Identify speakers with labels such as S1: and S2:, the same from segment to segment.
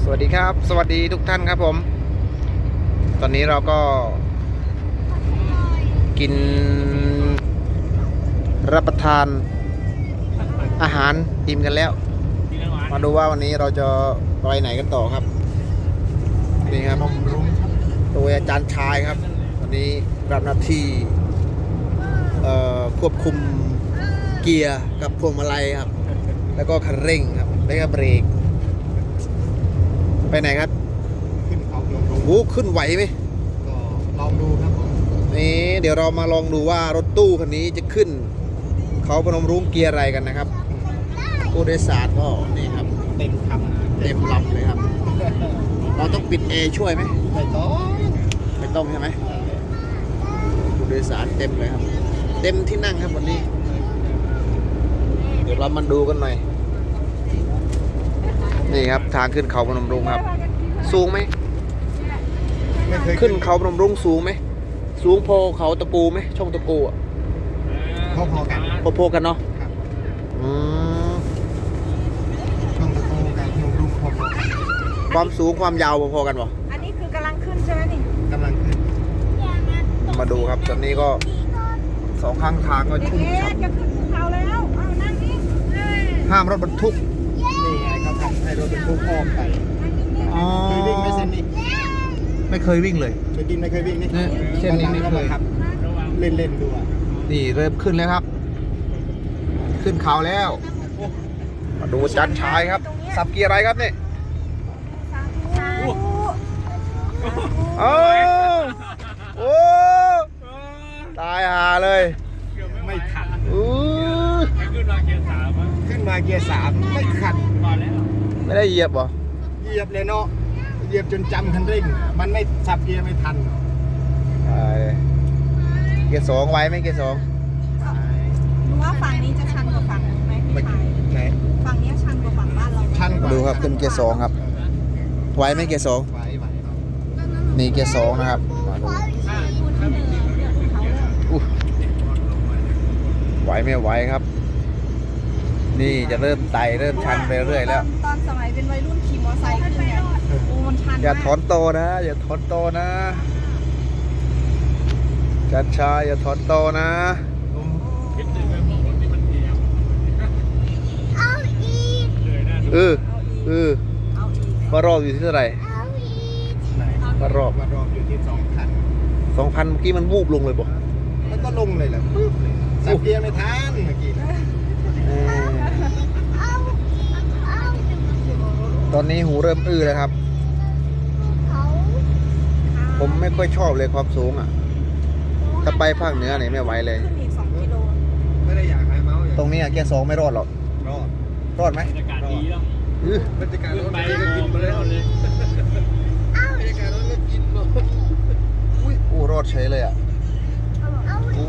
S1: วัสดีครับสวัสดีทุกท่านครับผมตอนนี้เราก็กินรับประทานอาหารอิ่มกันแล้วมาดูว่าวันนี้เราจะไปไหนกันต่อครับนี่ครับโดยอาจารย์ชายครับวันนี้รับหน้าที่ควบคุมเกียร์กับพวงมาลัยครับแล้วก็คันเร่งครับแล้วก็เบรกไปไหนครับ
S2: ขึ้นเขาลง
S1: โอ้ขึ้นไหวไหม
S2: ก็ลองดูครับผม
S1: นี่เดี๋ยวเรามาลองดูว่ารถตู้คันนี้จะขึ้นเขาพนมรุ้งเกียร์อะไรกันนะครับผู้โดยสารก็นี่ครับ
S2: เต็มคำ
S1: เต็มลำเลยครับเราต้องปิดแอร์ช่วยไหม
S2: ไม่
S1: ต้องใช่ไหมผู้โดยสารเต็มเลยครับเต็มที่นั่งครับวันนี้เดี๋ยวเรามาดูกันหน่อยนี่ครับทางขึ้นเขาพนมรุ้งครับสูงไหมขึ้นเขาพนมรุ้งสูงไหมสูงพอเขาตะปูไหมช่องตะปูอ่ะ
S2: พอกัน
S1: พอกันเนาะ
S2: ช่องตะปูกับพนมรุ้งพอกัน
S1: ความสูงความยาวพอกันป่ะ
S3: อันนี้คือกำลังขึ้นใช่ไหมนี่
S2: กำลังขึ้น
S1: มาดูครับตอนนี้ก็สองข้างทางก็ชุ่มฉ่ำ
S3: จะขึ้นภูเขาแล้วเอานั่งนี่
S1: ห้ามรถบรรทุก
S2: นี่ไงเขาทำให้รถบรรทุกอ้อมไปเคยวิ่งไหมเส้นนี้
S1: ไม่เคยวิ่งเลย
S2: เคยวิ่งไม่เคยวิ่งนี่
S1: เส้นนี้ไม่เคย
S2: ครับเล่นดูอ่ะ
S1: นี่เริ่มขึ้นแล้วครับขึ้นเขาแล้วมาดูจันชายครับสับเกียร์อะไรครับนี่โอ้ตายหาเลย
S2: ไม่ขัด
S1: ขึ้น
S2: มาเกียร์สามไม่ขัด
S1: ไม่ได้เหยียบหรอ
S2: เหยียบเลยเนาะเหยียบจนจำคันเร่งมันไม่สับเกียร์ไม่ทัน
S1: เกียร์สองไว้ไหมเกียร์สอง
S3: รู้ว่าฝั่งนี้จะชันกว่าฝั่งไหมพี่ชาย
S2: ไหน
S3: ฝั่งนี้ชันกว่าฝั่งบ้านเรา
S2: ชันกว่า
S1: ดูครับขึ้นเกียร์สองครับไว้ไหมเกียร์สองนี่เกียร์สองนะครับไหวไม่ไหวครับนี่จะเริ่มไต่เริ่มชันไปเรื่อยแล้ว
S3: ตอนสมัยเป็นวัยรุ่นขี่มอเตอร์ไซค์ขึ้นเนี่ยโอ้มันชัน
S1: อย่าถอนโตนะอย่าถอนโตนะจัดชายอย่าถอนโตนะมารอบอยู่ที่เท่าไหร่มารอบ
S2: อยู่ที่
S1: 2,000เมื่อกี้มันวูบลงเลยป่ะ
S2: มันก็ลงเลยแหละสับเกียร์ไม่ทันเมื่อกี้
S1: ตอนนี้หูเริ่มอื้อแล้วครับผมไม่ค่อยชอบเลยความสูงอ่ะถ้าไปภาคเหนือไหนไม่ไหวเลย
S3: ขึ้นอีก2 กิโล
S2: ไม่ได้อยากให้เมาส์
S1: ตรงนี้เกียร์สองไม่รอดหรอกรอดไหม
S2: บรรยากาศดีแล้วบรรยากาศรถไปก็กินไปแล้วเลยบรรยากาศรถก็กินหมด
S1: อู้รอดเฉยเลยอ่ะอู้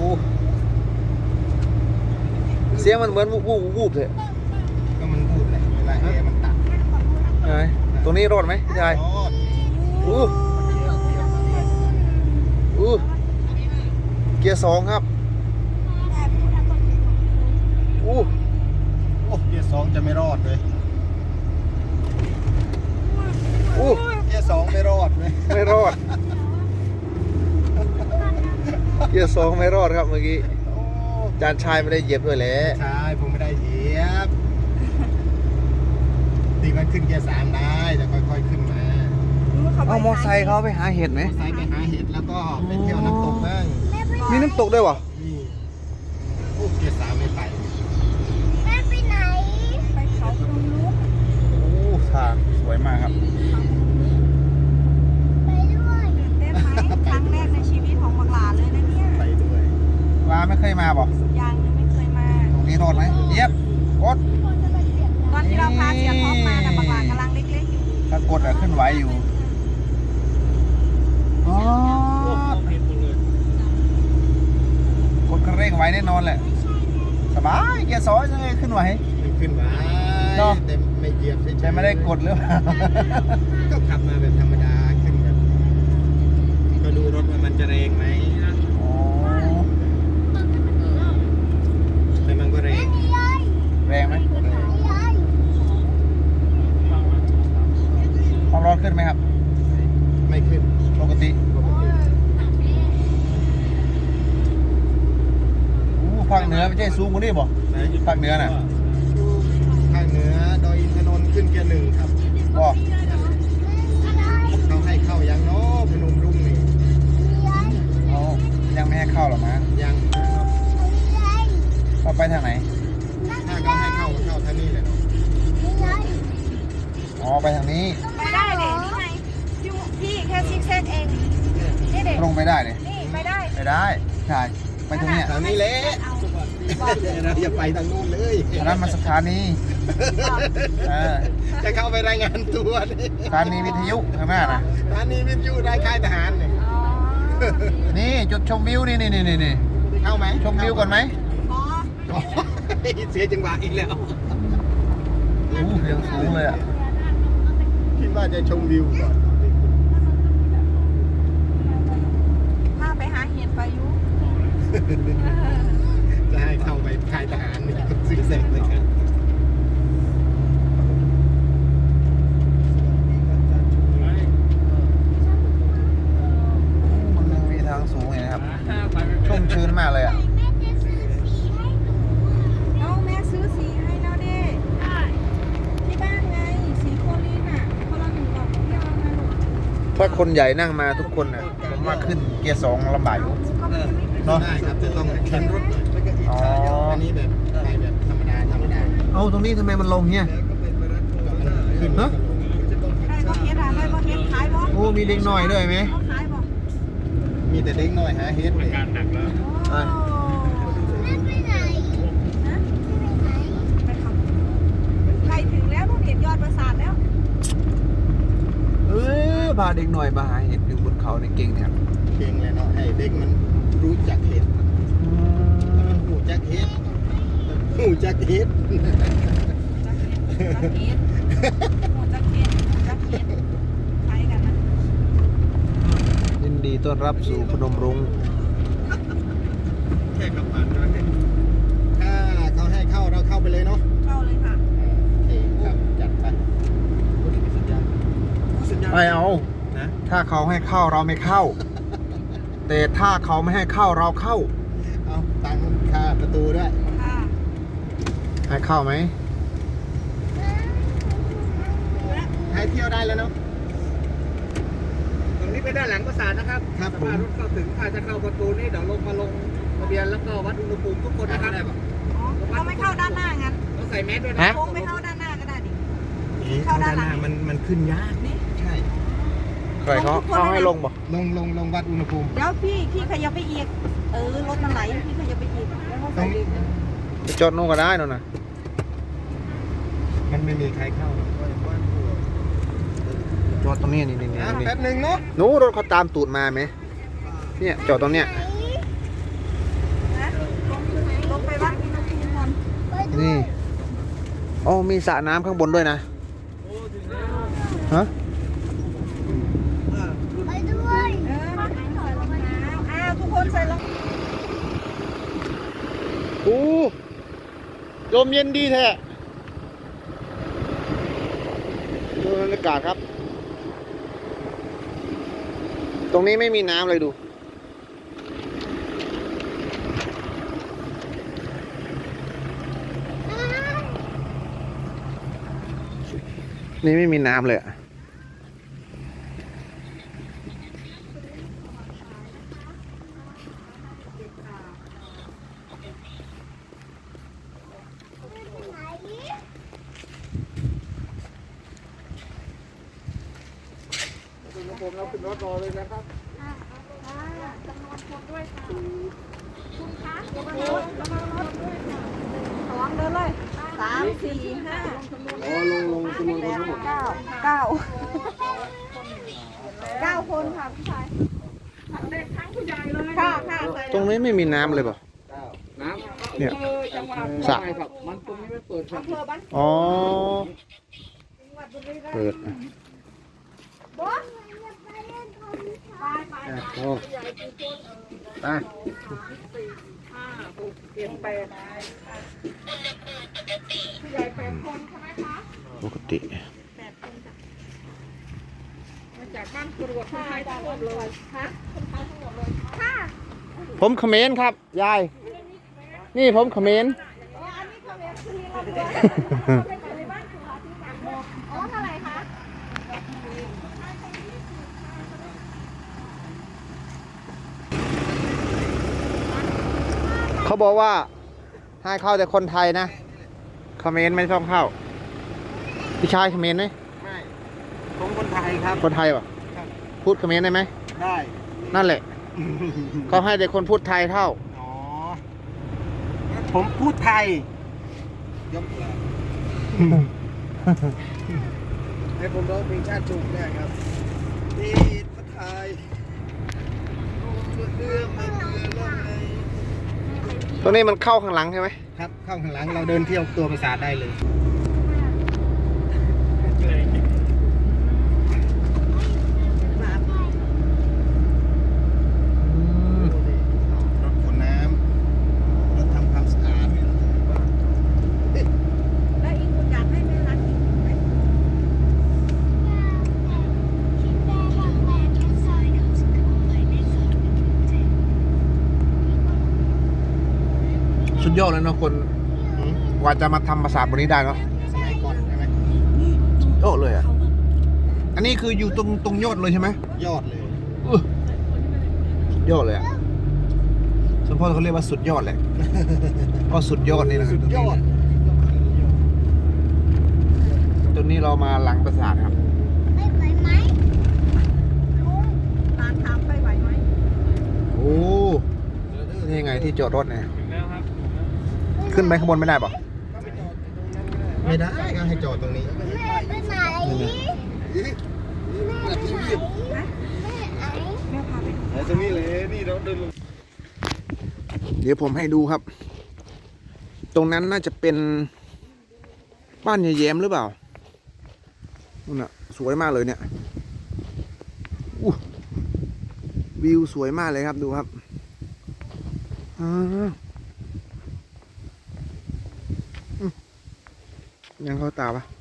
S1: เสียงมันเหมือนวูบเลย
S2: ก็มันวูบแหละเวลาแอร์มันตัด
S1: ตรงนี้รอดไหมพี่ชายเกียร์สองครับ
S2: เกียร์สองจะไม่รอดเลยเกียร์สองไม่รอดเลย
S1: ไม่รอดเกียร์สองไม่รอดครับเมื่อกี้จานชายไม่ได้เหยียบด้วยแหละ
S2: ใช่ผมไม่ได้เหยียบตีมันขึ้นเกียร์สามได้แต่ค่อยๆขึ้นมา
S1: เอามอไซค์เขาไปหาเห็ดไหม
S2: ไซค์ไปหาเห็ดแล้วก็ไปเที่ยวน้ำตกบ้าง
S1: มีน้ำตกด้วยวะ
S2: นี่เกียร์สามไม่ไป
S3: แม่ไปไหนไปเขาพนมรุ้ง
S1: ทางสวยมากครับ
S3: ไปด้วยได้ไหมครั้งแรกในชีวิตของบักหลาเลยนะเนี่ย
S2: ไปด้วย
S1: ลาไม่เคยมาบอก
S3: ยังไม่เคยมา
S1: ตรงนี้รอดไหมเยียบกด
S3: ตอนที่เราพาเสียท็อปมาแต่บักหลากำลังเล็กๆอยู่
S1: ถ้ากดขึ้นไหวอยู่กดคันเร่งไว้แน่นอนแหละสบายเกียร์สองยังไงขึ้นไหว
S2: แต่ไม่เหยียบ
S1: ใช่ไม่ได้กดหรือเปล่า
S2: ก็ขับมาแบบธรรมดาขึ้นแบบก็ดูรถว่ามันจะแรงไหมแต่มันก็แรง
S1: ไหมขึ้นไหมครับ
S2: ไม่ขึ้น
S1: ปกติภาคเหนือไม่ใช่สูงกว่านี้บ่
S2: ไหน
S1: ภาคเหนือน่ะ
S2: ภาคเหนือดอยอินทนนท์ขึ้นเกียร์หนึ่งครับ
S1: ก็
S2: เขาให้เข้ายังเนาะพนมรุ้งนี่
S1: เขายังไม่ให้เข้าหรอมั้ง
S2: ยังนะครับ
S1: เราไปทางไหน
S2: ถ้าเขาให้เข้าก็เข้าทางนี้เลยเนาะ
S1: อ๋อไปทางนี้
S3: ไปได้เลยนี่ไงพี่แค่ซิกแซกเองนี่เด็ก
S1: ตรงไปได้เลย
S3: นี่ไปได้
S1: ไปได้ใช่ไปทางเนี้ย
S2: ทางนี้แหละ
S3: เอา
S2: เราอย่าไปทางนู้นเลย
S1: อันนั้นมันสถานีเออ
S2: จะเข้าไปรายงานตัวนี่
S1: สถานีวิทยุข้างหน้านะ
S2: สถานีวิทยุได้ค่ายทหารเนี่ย
S3: อ๋อ
S1: นี่จุดชมวิวนี่
S2: เข้าไหม
S1: ชมวิวก่อนไหม
S3: อ๋อ
S2: อ๋อเสียจังหวะอีกแล้ว
S1: โอ้เสียงสูงเลยอ่ะ
S2: คิดว่าจะชมวิวก่อน
S3: ถ้าไปหาเห็ดไปยุ
S2: จะให้เข้าไปค่ายทหารนี่ก็ซื้อเสร็จเลยครับ
S1: มันมีทางสูงอย่างนะครับชุ่มชื้นมากเลยอ่ะ
S3: น้องแม่ซื้อสีให้แล้วเด้ที่บ้านไงสีโคลินอ่ะคนละ1 กล่องที่เอามาลูก
S1: ถ้าคนใหญ่นั่งมาทุกคนน่ะผมว่าขึ้นเกียร์ 2ลำบากอยู่
S3: ก็ไม่ได้
S1: เนาะ
S2: ได้ครับจะต้องเข็นรถแล้วก็อีก
S1: อ๋อ
S2: อันนี้แบบไปแบบธรรมดา
S1: เอาตรงนี้ทำไมมันลงเงี้ย
S2: ขึ้น
S1: ฮะ
S3: ได้บ่เฮ็ดอ่ะได้บ่เฮ็ดขายบ่
S1: โอ้มีเด็กน้อยด้วยไหม
S3: เขาขายบ่
S2: มีแต่เด็กน้อยหาเฮ็ดเลย
S3: โอ้นะไปขับใกล้ถึงแล้วต้องเห็นยอดปราสาทแล้ว
S1: เอ้ยพาเด็กน้อยมาหาเห็ดอยู่บนเขาในเก่งเนี่ย
S2: เก่งเลยเนาะให้เด็กมันรู้จักเฮ็ดแล้วมันหูจักเฮ็ดหูจักเฮ็ด
S3: จักเฮ็ดหมูจักเฮ็ดจักเฮ็ดขายกันนะ
S1: ยินดีต้อนรับสู่พนมรุ้ง
S2: แค่คำผ่านเท่านั้นเองถ้าเขาให้เข้าเราเข้าไปเลยเนาะ
S3: เข้าเลยค่ะ
S2: โอเคครับจัดไปโอ้นี่เป็นสัญญาณสัญญาณ
S1: ไม่เอา
S2: นะ
S1: ถ้าเขาให้เข้าเราไม่เข้า แต่ถ้าเขาไม่ให้เข้าเราเข้า
S2: เอาตังค่าประตูด้วย
S3: ค่ะ
S1: ให้เข้าไหม
S2: ให้เที่ยวได้แล้วเนาะตรงนี้เป็นด้านหลังปราสาทนะครับครับผมรถเข้าถึงถ้าจะเข้าประตูนี้เดี๋ยวลงมาลงทะเบียนแล้วก็วัดอุณหภูมิทุกคนนะครับ
S3: อ๋อเราไม่เข้าด้านหน้างั้น
S2: ต้องใส่แมสด้วยนะ
S1: ฮะ
S3: โค้งไม่เข้าด้านหน้าก็ได้ดิ
S2: เข้าด้านหน้ามันขึ้นยาก
S3: นี่
S2: ใช่
S1: ใครเขาให้ลงบ่
S2: ลงวัดอุณหภูมิ
S3: เดี๋ยวพี่ขยับไปอีกรถมันไหลพี่ขยับไปอีกแล้วก็ใส่อีก
S1: ไปจอดนู่นก็ได้นู่นน่ะ
S2: มันไม่มีใครเข้า
S1: จอดตรงนี้นี่
S2: แป๊บหนึ่งเนาะ
S1: หนูรถเขาตามตูดมาไหมเนี่ยจอดตรงเนี้ย
S3: นะลงไปวัดอุณหภูมิก่อน
S1: นี่อ๋อมีสระน้ำข้างบนด้วยนะฮะ
S3: มาใส่รองเท้าทุกคนใส่รอง
S1: โอ้ลมเย็นดีแท้ดูบรรยากาศครับ ตรงนี้ไม่มีน้ำเลยดู นี่ไม่มีน้ำเลยอะ
S2: ผมเราขึ้นรถรอเลยนะครับ
S3: จำนวนคนด้วยค่ะคุณคะระวังรถด้วยค่ะระวังเดินเลย3 4 5
S2: อ๋อลงจำนวนคนทั้งหมด
S3: 9 คนค่ะพี่ชายทั้งผู้ใหญ่เลยค่ะใส่
S1: ตรงนี้ไม่มีน้ำเลยเปล่ะ
S2: น้
S1: เนี่ย
S3: จังหวัด
S2: ำ
S1: สระ
S2: ครับมันตรงนี้ไม่เปิดครับ
S3: อำเภอบ้าน
S1: อ๋อ
S3: จังหวัดบุรีรัมย์
S1: เปิด
S3: บอสไป
S1: โอ้ไป
S3: 5 6 7 8ผู้ใหญ่8 คนใช่ไหมคะ
S1: ปกติ
S3: 8 คนจ้ะการตรวจคนไทยทั้งหมดเลยค่ะคนไทยทั้งหมดเลยค่ะ
S1: ผมเขมรครับยาย นี่ผมเขมร
S3: อ๋ออันนี้เขาเรียกคือเราด้วยเขาเป็นคนในบ้านคือเราที่ต่างบอกอ๋อเท่าไหร่คะ
S1: เขาบอกว่าให้เข้าแต่คนไทยนะเขมรไม่ต้องเข้าพี่ชายเขมรไหม
S2: ไม่ผมคนไทยครับ
S1: คนไทยปะ
S2: ครับ
S1: พูดเขมรได้ไหม
S2: ได้
S1: นั่นแหละ เขาให้แต่คนพูดไทยเท่า
S2: อ๋อผมพูดไทยยกเลยให้ผมร้องเพลงชาติจุกได้ครับที่ประไทยเรือมาเรือลงใน
S1: ตรงนี้มันเข้าข้างหลังใช่ไหม
S2: ครับเข้าข้างหลังเราเดินเที่ยวตัวปราสาทได้เลยรถขนน้ำรถทำความสะอาด
S3: แล้วอีกคุณอยากให้แม่รักอีกไหม
S1: สุดยอดเลยเนาะคนกว่าจะมาทำปราสาทบนนี้ได้เนาะ
S2: สมัยก่อนใช่ไหม
S1: โอ้เลยอ่ะ อันนี้คืออยู่ตรงยอดเลยใช่ไหม
S2: ยอดเลย
S1: สุดยอดเลยอ่ะสมพ่อเขาเรียกว่าสุดยอดแหละ ก็สุดยอดนี่แหละ
S2: สุดยอด
S1: ตรงนี้เรามาหลังปราสาทครับ
S3: ร้านถามไปไหวไหม
S1: โอ้นี่ไงที่จอดรถเนี่ยขึ้นไปข้างบนไม่ได้ปะ
S2: ไม่ได้ก็ให้จอดตรงนี้
S3: แม่พาไป
S2: ตรงนี้เลยนี่เราเดินลง
S1: เดี๋ยวผมให้ดูครับ ตรงนั้นน่าจะเป็นบ้านยายแย้มหรือเปล่านู่นน่ะสวยมากเลยเนี่ยอู้วิวสวยมากเลยครับดูครับยังเข้าตาปะ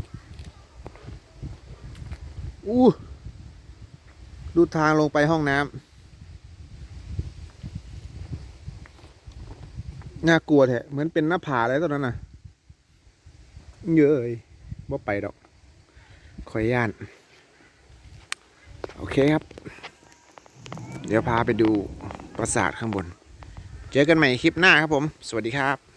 S1: อู้ดูทางลงไปห้องน้ำน่ากลัวแท้เหมือนเป็นหน้าผาอะไรตอนนั้นน่ะเยอะเลยบ่ไปดอกขอย่าน โอเคครับ เดี๋ยวพาไปดูปราสาทข้างบน เจอกันใหม่คลิปหน้าครับผม สวัสดีครับ